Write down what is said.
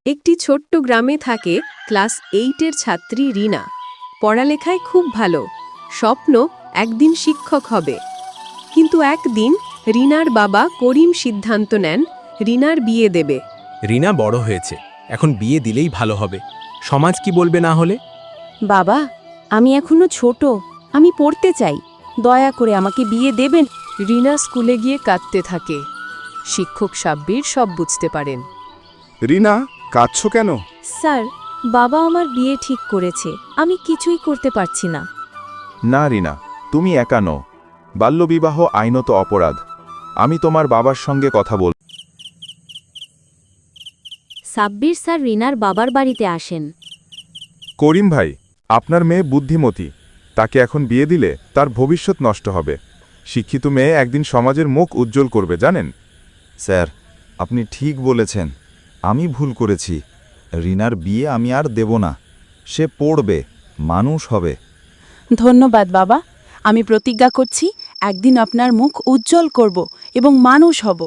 একটি ছোট্ট গ্রামে থাকে ক্লাস 8-এর ছাত্রী রিনা। পড়ালেখায় খুব ভালো, স্বপ্ন একদিন শিক্ষক হবে। কিন্তু একদিন রিনার বাবা করিম সিদ্ধান্ত নেন রিনার বিয়ে দেবে। রিনা বড় হয়েছে, এখন বিয়ে দিলেই ভালো হবে। সমাজ কি বলবে না হলে? বাবা, আমি এখনো ছোট, আমি পড়তে চাই, দয়া করে আমাকে বিয়ে দেবেন। রিনা স্কুলে গিয়ে কাঁদতে থাকে। শিক্ষক সাব্বির সব বুঝতে পারেন। রিনা, কাঁদছো কেন? স্যার, বাবা আমার বিয়ে ঠিক করেছে, আমি কিছুই করতে পারছি না। না রিনা, তুমি একা নও। বাল্যবিবাহ আইনত অপরাধ। আমি তোমার বাবার সঙ্গে কথা বল। সাব্বির স্যার রিনার বাবার বাড়িতে আসেন। করিম ভাই, আপনার মেয়ে বুদ্ধিমতী, তাকে এখন বিয়ে দিলে তার ভবিষ্যৎ নষ্ট হবে। শিক্ষিত মেয়ে একদিন সমাজের মুখ উজ্জ্বল করবে, জানেন? স্যার, আপনি ঠিক বলেছেন। আমি ভুল করেছি। রিনার বিয়ে আমি আর দেব না। সে পড়বে, মানুষ হবে। ধন্যবাদ বাবা, আমি প্রতিজ্ঞা করছি একদিন আপনার মুখ উজ্জ্বল করব এবং মানুষ হব।